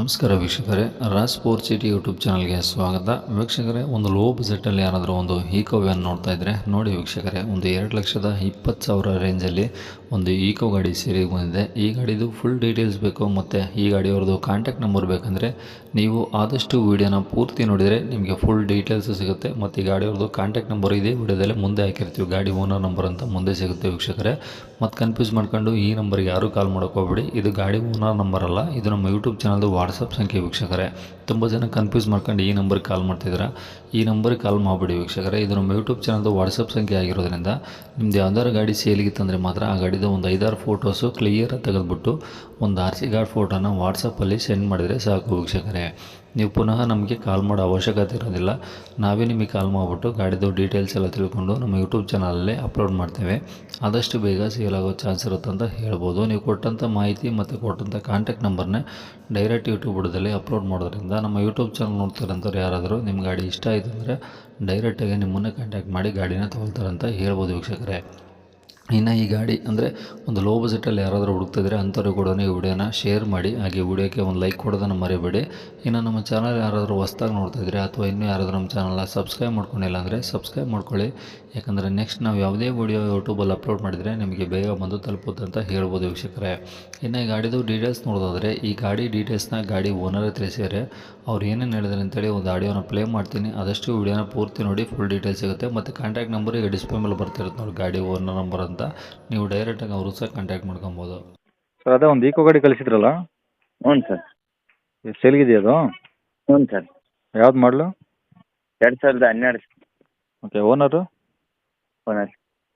ನಮಸ್ಕಾರ ವೀಕ್ಷಕರೇ, Raj sport city YouTube ಚಾನಲ್ಗೆ ಸ್ವಾಗತ. ವೀಕ್ಷಕರೇ, ಒಂದು ಲೋ ಬಜೆಟಲ್ಲಿ ಯಾರಾದರೂ ಒಂದು ಈಕೋ ವ್ಯಾನ್ ನೋಡ್ತಾ ಇದ್ದರೆ ನೋಡಿ ವೀಕ್ಷಕರೇ, ಒಂದು 2,20,000 ರೇಂಜಲ್ಲಿ ಒಂದು ಈಕೋ ಗಾಡಿ ಸೇರಿಗೆ ಬಂದಿದೆ. ಈ ಗಾಡಿದು ಫುಲ್ ಡೀಟೇಲ್ಸ್ ಬೇಕು ಮತ್ತು ಈ ಗಾಡಿಯವ್ರದ್ದು ಕಾಂಟ್ಯಾಕ್ಟ್ ನಂಬರ್ ಬೇಕಂದರೆ ನೀವು ಆದಷ್ಟು ವೀಡಿಯೋನ ಪೂರ್ತಿ ನೋಡಿದರೆ ನಿಮಗೆ ಫುಲ್ ಡೀಟೇಲ್ಸ್ ಸಿಗುತ್ತೆ. ಮತ್ತು ಈ ಗಾಡಿಯವ್ರದ್ದು ಕಾಂಟ್ಯಾಕ್ಟ್ ನಂಬರ್ ಇದೆ ವಿಡಿಯೋದಲ್ಲೇ ಮುಂದೆ ಹಾಕಿರ್ತೀವಿ, ಗಾಡಿ ಓನರ್ ನಂಬರ್ ಅಂತ ಮುಂದೆ ಸಿಗುತ್ತೆ ವೀಕ್ಷಕರೇ. ಮತ್ತು ಕನ್ಫ್ಯೂಸ್ ಮಾಡ್ಕೊಂಡು ಈ ನಂಬರ್ಗೆ ಯಾರೂ ಕಾಲ್ ಮಾಡೋಕೆ ಹೋಗ್ಬೇಡಿ, ಇದು ಗಾಡಿ ಓನರ್ ನಂಬರ್ ಅಲ್ಲ, ಇದು ನಮ್ಮ ಯೂಟ್ಯೂಬ್ ಚಾನಲ್ದು ವಾಟ್ಸಪ್ ಸಂಖ್ಯೆ ವೀಕ್ಷಕರೇ. ತುಂಬ ಜನ ಕನ್ಫ್ಯೂಸ್ ಮಾಡ್ಕೊಂಡು ಈ ನಂಬರ್ಗೆ ಕಾಲ್ ಮಾಡ್ತಿದ್ದೀರಾ, ಈ ನಂಬರ್ಗೆ ಕಾಲ್ ಮಾಡಿಬಿಡಿ ವೀಕ್ಷಕರೇ. ಇದು ನಮ್ಮ ಯೂಟ್ಯೂಬ್ ಚಾನಲ್ದು ವಾಟ್ಸಪ್ ಸಂಖ್ಯೆ ಆಗಿರೋದ್ರಿಂದ ನಿಮ್ಮದು ಯಾವ್ದಾದ್ರು ಗಾಡಿ ಸೇಲಿಗಿತ್ತಂದರೆ ಮಾತ್ರ ಆ ಗಾಡಿದು ಒಂದು 5-6 ಫೋಟೋಸು ಕ್ಲಿಯರಾಗಿ ತೆಗೆದುಬಿಟ್ಟು ಒಂದು RC ಕಾರ್ಡ್ ಫೋಟೋನ ವಾಟ್ಸಪ್ಪಲ್ಲಿ ಸೆಂಡ್ ಮಾಡಿದರೆ ಸಾಕು ವೀಕ್ಷಕರೇ. ನೀವು ಪುನಃ ನಮಗೆ ಕಾಲ್ ಮಾಡೋ ಅವಶ್ಯಕತೆ ಇರೋದಿಲ್ಲ, ನಾವೇ ನಿಮಗೆ ಕಾಲ್ ಮಾಡಿಬಿಟ್ಟು ಗಾಡಿದು ಡೀಟೇಲ್ಸ್ ಎಲ್ಲ ತಿಳ್ಕೊಂಡು ನಮ್ಮ ಯೂಟ್ಯೂಬ್ ಚಾನಲಲ್ಲಿ ಅಪ್ಲೋಡ್ ಮಾಡ್ತೇವೆ. ಆದಷ್ಟು ಬೇಗ ಸೇಲ್ ಆಗೋ ಚಾನ್ಸ್ ಇರುತ್ತೆ ಅಂತ ಹೇಳ್ಬೋದು. ನೀವು ಕೊಟ್ಟಂಥ ಮಾಹಿತಿ ಮತ್ತು ಕೊಟ್ಟಂಥ ಕಾಂಟ್ಯಾಕ್ಟ್ ನಂಬರ್ನೇ ಡೈರೆಕ್ಟ್ ಯೂಟ್ಯೂಬ್ ಬುಡದಲ್ಲಿ ಅಪ್ಲೋಡ್ ಮಾಡೋದ್ರಿಂದ ನಮ್ಮ ಯೂಟ್ಯೂಬ್ ಚಾನಲ್ ನೋಡ್ತಾರಂಥವ್ರು ಯಾರಾದರೂ ನಿಮ್ಮ ಗಾಡಿ ಇಷ್ಟ ಆಯಿತು ಅಂದರೆ ಡೈರೆಕ್ಟಾಗಿ ನಿಮ್ಮನ್ನೇ ಕಾಂಟ್ಯಾಕ್ಟ್ ಮಾಡಿ ಗಾಡಿನ ತೊಗೊಳ್ತಾರಂತ ಹೇಳ್ಬೋದು ವೀಕ್ಷಕರೇ. ಇನ್ನು ಈ ಗಾಡಿ ಅಂದರೆ ಒಂದು ಲೋ ಬಜೆಟಲ್ಲಿ ಯಾರಾದರೂ ಹುಡುಕ್ತಿದ್ರೆ ಅಂಥವ್ರಿಗೆ ಕೂಡ ಈ ವಿಡಿಯೋನ ಶೇರ್ ಮಾಡಿ, ಹಾಗೆ ವಿಡಿಯೋಕ್ಕೆ ಒಂದು ಲೈಕ್ ಕೊಡೋದನ್ನು ಮರಿಬೇಡಿ. ಇನ್ನು ನಮ್ಮ ಚಾನಲ್ ಯಾರಾದರೂ ಹೊಸ್ದಾಗಿ ನೋಡ್ತಾಯಿದ್ರೆ ಅಥವಾ ಇನ್ನೂ ಯಾರಾದರೂ ನಮ್ಮ ಚಾನಲ್ನ ಸಬ್ಸ್ಕ್ರೈಬ್ ಮಾಡ್ಕೊಂಡಿಲ್ಲ ಅಂದರೆ ಸಬ್ಸ್ಕ್ರೈಬ್ ಮಾಡ್ಕೊಳ್ಳಿ. ಯಾಕಂದರೆ ನೆಕ್ಸ್ಟ್ ನಾವು ಯಾವುದೇ ವಿಡಿಯೋ ಯೂಟ್ಯೂಬಲ್ಲಿ ಅಪ್ಲೋಡ್ ಮಾಡಿದರೆ ನಿಮಗೆ ಬೇಗ ಬಂದು ತಲುಪುತ್ತೆ ಅಂತ ಹೇಳ್ಬೋದು ವೀಕ್ಷಕರೇ. ಇನ್ನು ಈ ಗಾಡಿದು ಡೀಟೇಲ್ಸ್ ನೋಡೋದಾದರೆ ಈ ಗಾಡಿ ಡೀಟೇಲ್ಸ್ನ ಗಾಡಿ ಓನರೇ ತಿಳಿಸಿದರೆ ಅವ್ರು ಏನೇನು ಹೇಳಿದ್ರು ಅಂತೇಳಿ ಒಂದು ಆಡಿಯೋನ ಪ್ಲೇ ಮಾಡ್ತೀನಿ, ಆದಷ್ಟು ವಿಡಿಯೋನ ಪೂರ್ತಿ ನೋಡಿ ಫುಲ್ ಡೀಟೇಲ್ಸ್ ಸಿಗುತ್ತೆ. ಮತ್ತು ಕಾಂಟ್ಯಾಕ್ಟ್ ನಂಬರ್ ಈಗ ಡಿಸ್ಪ್ಲೇ ಮೇಲೆ ಬರ್ತಿರುತ್ತೆ ನೋಡಿ, ಗಾಡಿ ಓನರ್ ನಂಬರ್ ಅಂತ, ನೀವು ಡೈರೆಕ್ಟಾಗಿ ಅವರು ಸಹ ಕಾಂಟ್ಯಾಕ್ಟ್ ಮಾಡ್ಕೊಬೋದು. ಸರ್ ಅದೇ ಒಂದು ಈಕೋ ಗಾಡಿ ಕಳಿಸಿದ್ರಲ್ಲ, ಹ್ಞೂ ಸರ್. ಸೇಲ್ಗಿದೆಯಾ ಅದು? ಹ್ಞೂ ಸರ್. ಯಾವ್ದು ಮಾಡಲು? 2012 ಓಕೆ. ಓನರು? ಓನರ್.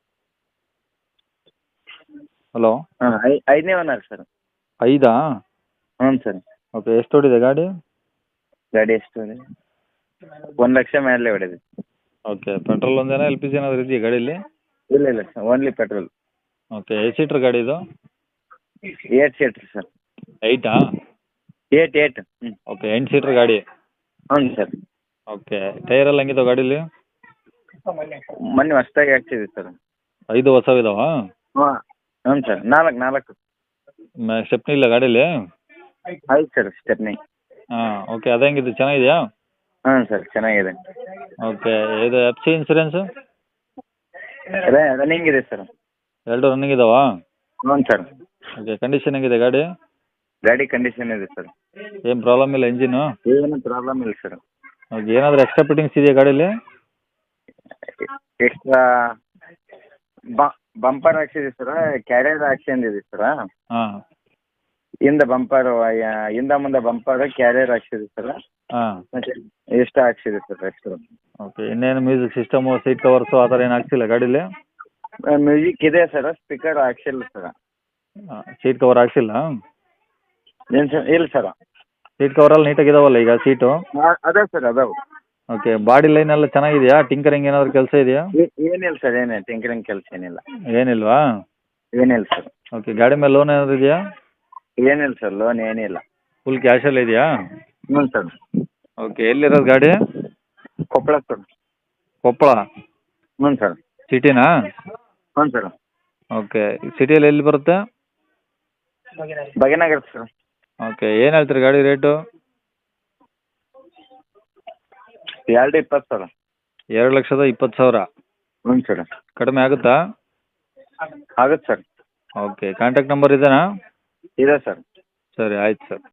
ಹಲೋ, ಹಾಂ, ಐದನೇ ಓನರ್ ಸರ್. 5? ಹ್ಞೂ ಸರ್. ಓಕೆ. ಎಷ್ಟು ಹೊಡಿದೆ ಗಾಡಿ? ಗಾಡಿ ಎಷ್ಟು ಇದೆ? 1 ಲಕ್ಷ ಮೇಲೆ ಹೊಡೆದಿದೆ. ಓಕೆ. ಪೆಟ್ರೋಲ್ ಒಂದೇನಾ, LPG ಏನಾದರೂ ಇದೆಯಾ ಗಾಡೀಲಿ? ಇಲ್ಲ sir, only petrol. Okay. 8 seater ಗಾಡಿ ಇದು? 8 ಸೀಟ್ರ್ ಸರ್. 8? 8. ಹ್ಞೂ. ಓಕೆ. 8 ಸೀಟ್ರ್ ಗಾಡಿ? ಹ್ಞೂ ಸರ್. ಓಕೆ. ಟೈರ್ ಎಲ್ಲ ಹೆಂಗಿದಾವೆ ಗಾಡೀಲಿ? ಮೊನ್ನೆ ಹೊಸ್ದಾಗಿ ಹಾಕ್ಸಿದ್ವಿ ಸರ್. 5 ಹೊಸವಿದಾವ? ಹಾಂ. ಹ್ಞೂ ಸರ್. 4. ಸ್ಟೆಪ್ನಿ ಇಲ್ಲ ಗಾಡೀಲಿ? ಆಯ್ತು ಸರ್, ಸ್ಟೆಪ್ನಿ. ಹಾಂ. ಓಕೆ. ಅದು ಹೆಂಗಿದೆ, ಚೆನ್ನಾಗಿದೆಯಾ? ಹ್ಞೂ ಸರ್, ಚೆನ್ನಾಗಿದೆ. ಓಕೆ. ಇದು FC ಇನ್ಸೂರೆನ್ಸು? ರನ್ನಿಂಗ್ ಇದೆ ಸರ್. 2 ರನ್ನಿಂಗ್ ಇದಾವಾ? ಹ್ಞೂ ಸರ್. ಓಕೆ. ಕಂಡೀಷನ್ ಹೆಂಗಿದೆ ಗಾಡಿ? ಗಾಡಿ ಕಂಡೀಷನ್ ಇದೆ ಸರ್. ಏನು ಪ್ರಾಬ್ಲಮ್ ಇಲ್ಲ ಇಂಜಿನು? ಏನು ಪ್ರಾಬ್ಲಮ್ ಇಲ್ಲ ಸರ್. ಓಕೆ. ಏನಾದರೂ ಎಕ್ಸ್ಟ್ರಾ ಫಿಟ್ಟಿಂಗ್ಸ್ ಇದೆಯಾ ಗಾಡೀಲಿ? ಎಕ್ಸ್ಟ್ರಾ ಬಂಪರ್ ಹಾಕ್ಸಿದೆ ಸರ್, ಕ್ಯಾರಿಯರ್ ಹಾಕ್ಸಿದೆ ಸರ್. ಹಾಂ. ಹಿಂದೆ ಬಂಪರ್, ಹಿಂದೆ ಮುಂದೆ ಬಂಪರ್ ಕ್ಯಾರಿಯರ್ ಹಾಕ್ಸಿದೆ ಸರ್. ಹಾಂ. ಮತ್ತೆ ಎಷ್ಟು ಹಾಕ್ಸಿದೆ ಸರ್ ಎಕ್ಸ್ಟ್ರಾ. ಓಕೆ. ಇನ್ನೇನು ಮ್ಯೂಸಿಕ್ ಸಿಸ್ಟಮು, ಸೀಟ್ ಕವರ್ಸು ಆ ಥರ ಏನು ಹಾಕ್ಸಿಲ್ಲ ಗಾಡೀಲಿ? ಮ್ಯೂಸಿಕ್ ಇದೆ ಸರ್, ಸ್ಪೀಕರ್ ಹಾಕ್ಸಿಲ್ಲ ಸರ್. ಸೀಟ್ ಕವರ್ ಹಾಕ್ಸಿಲ್ಲ? ಏನು ಸರ್? ಇಲ್ಲ ಸರ್. ಸೀಟ್ ಕವರಲ್ಲಿ ನೀಟಾಗಿದಾವಲ್ಲ ಈಗ ಸೀಟು? ಅದಾವೆ ಸರ್, ಅದಾವೆ. ಓಕೆ. ಬಾಡಿ ಲೈನ್ ಎಲ್ಲ ಚೆನ್ನಾಗಿದೆಯಾ? ಟಿಂಕರಿಂಗ್ ಏನಾದರೂ ಕೆಲಸ ಇದೆಯಾ? ಏನಿಲ್ಲ ಸರ್, ಏನಿಲ್ಲ ಟಿಂಕರಿಂಗ್ ಕೆಲಸ ಏನಿಲ್ಲ. ಏನಿಲ್ವಾ? ಏನಿಲ್ಲ ಸರ್. ಓಕೆ. ಗಾಡಿ ಮೇಲೆ ಲೋನ್ ಏನಾದರೂ ಇದೆಯಾ? ಏನಿಲ್ಲ ಸರ್, ಲೋನ್ ಏನಿಲ್ಲ. ಫುಲ್ ಕ್ಯಾಶಲ್ಲಿ ಇದೆಯಾ? ಹ್ಞೂ ಸರ್. ಓಕೆ. ಎಲ್ಲಿರೋದು ಗಾಡಿ? ಕೊಪ್ಪಳ ಸರ್. ಕೊಪ್ಪಳ? ಹ್ಞೂ ಸರ್. ಸಿಟಿನಾ? ಹ್ಞೂ ಸರ್. ಓಕೆ. ಸಿಟಿಯಲ್ಲಿ ಎಲ್ಲಿ ಬರುತ್ತೆ? ಭಾಗ್ಯನಗರ ಸರ್. ಓಕೆ. ಏನು ಹೇಳ್ತೀರಿ ಗಾಡಿ ರೇಟು? 220 ಸರ್. 2,20,000? ಹ್ಞೂ ಸರ್. ಕಡಿಮೆ ಆಗುತ್ತಾ? ಆಗುತ್ತೆ ಸರ್. ಓಕೆ. ಕಾಂಟ್ಯಾಕ್ಟ್ ನಂಬರ್ ಇದೆಯಾ? ಇದೆ ಸರ್. ಸರಿ, ಆಯ್ತು ಸರ್.